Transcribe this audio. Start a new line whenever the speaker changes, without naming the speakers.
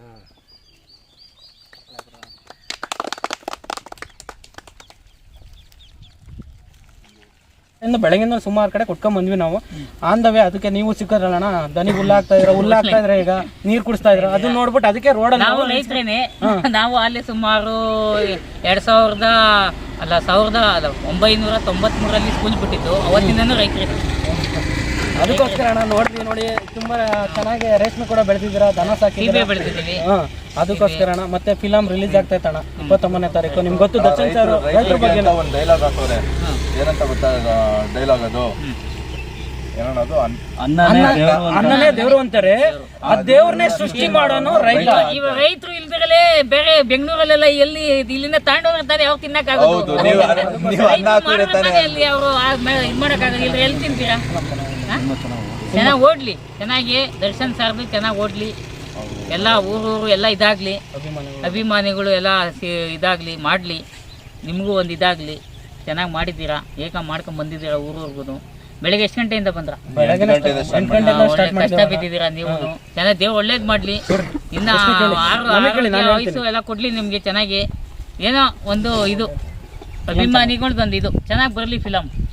ಬೆಳಗಿಂದ ಸುಮಾರು ಕಡೆ ಕೊಟ್ಕೊಂಡ್ ಬಂದ್ವಿ ನಾವು. ಆನ್ ದ ವೇ ಅದಕ್ಕೆ ನೀವು ಸಿಕ್ಕದ್ರಲ್ಲಣ್ಣ, ದನಿ ಹುಲ್ಲಾಗ್ತಾ ಇದ್ರೆ ಈಗ ನೀರ್ ಕುಡಿಸ್ತಾ ಇದ್ರ, ಅದನ್ನ ನೋಡ್ಬಿಟ್ಟು ಅದಕ್ಕೆ ರೋಡಲ್ಲಿ
ನಾವು ರೈತರೇನೆ. ನಾವು ಅಲ್ಲಿ ಸುಮಾರು 1993ರಲ್ಲಿ ಸ್ಕೂಲ್ ಬಿಟ್ಟಿದ್ದು, ಅವತ್ತಿಂದನೂ ರೈತರು.
ಅದಕ್ಕೋಸ್ಕರ ಅಣ್ಣ ನೋಡಿ ತುಂಬಾ ಚೆನ್ನಾಗಿ ರೇಷ್ಮೆ ಕೂಡ ಬೆಳೆದಿದ್ದೀರಾ, ದನ ಸಾಕಿ
ಬೆಳೆದಿದ್ದೀವಿ.
ಅದಕ್ಕೋಸ್ಕರ ಅಣ್ಣ. ಮತ್ತೆ ಫಿಲಂ ರಿಲೀಸ್ ಆಗ್ತಾ ಇತ್ತಣ್ಣ 29ನೇ ತಾರೀಕು. ನಿಮ್ಗೆ ಗೊತ್ತು ದರ್ಶನ್ ಸರ್ ರೈತರ ಬಗ್ಗೆ
ಒಂದು ಡೈಲಾಗ್ ಹಾಕೋರೆ, ಏನಂತ ಗೊತ್ತಾ ಡೈಲಾಗ್ ಅದು? ಏನನ್ನೋದು?
ಅನ್ನನೇ ದೇವ್ರು ಅಂತಾರೆ, ಆ ದೇವ್ರನ್ನೇ ಸೃಷ್ಟಿ ಮಾಡೋನು ರೈತ.
ಇವ ರೈತರು ಇಲ್ದಿರಲೇ ಬೇರೆ ಬೆಂಗಳೂರಲ್ಲೆಲ್ಲ ಎಲ್ಲಿ ಇಲ್ಲಿಂದ ತಾಂಡೋಗ್ತಾರೆ, ಯಾವ ತಿನ್ನಕ್ಕಾಗೋದು? ಅಲ್ಲಿ ಅವರು ಇದ್ ಮಾಡಕ್ಕಾಗಲ್ಲ. ಇಲ್ಲಿ ಎಲ್ಲಿ ತಿಂತೀರಾ? ಚೆನ್ನಾಗಿ ಓಡ್ಲಿ, ಚೆನ್ನಾಗಿ ದರ್ಶನ್ ಸರ್ದು ಚೆನ್ನಾಗಿ ಓಡ್ಲಿ, ಎಲ್ಲ ಊರು ಎಲ್ಲ ಇದಾಗ್ಲಿ, ಅಭಿಮಾನಿಗಳು ಎಲ್ಲ ಇದಾಗ್ಲಿ, ಮಾಡ್ಲಿ, ನಿಮಗೂ ಒಂದು ಇದಾಗ್ಲಿ. ಚೆನ್ನಾಗಿ ಮಾಡಿದ್ದೀರಾ, ಏಕ ಮಾಡ್ಕೊಂಡ್ ಬಂದಿದ್ದೀರಾ ಊರೂರ್ಗು. ಬೆಳಗ್ಗೆ ಎಷ್ಟು ಗಂಟೆಯಿಂದ ಬಂದ್ರ? ಕಷ್ಟ ಬಿದ್ದಿದ್ದೀರಾ ನೀವು. ಚೆನ್ನಾಗಿ ದೇವ್ರು ಒಳ್ಳೇದ್ ಮಾಡ್ಲಿ. ಇನ್ನ ವಯಸ್ಸು ಎಲ್ಲ ಕೊಡ್ಲಿ ನಿಮ್ಗೆ. ಚೆನ್ನಾಗಿ ಏನೋ ಒಂದು ಇದು ಅಭಿಮಾನಿಗಳ್ದೊಂದು ಇದು ಚೆನ್ನಾಗಿ ಬರ್ಲಿ ಫಿಲಂ.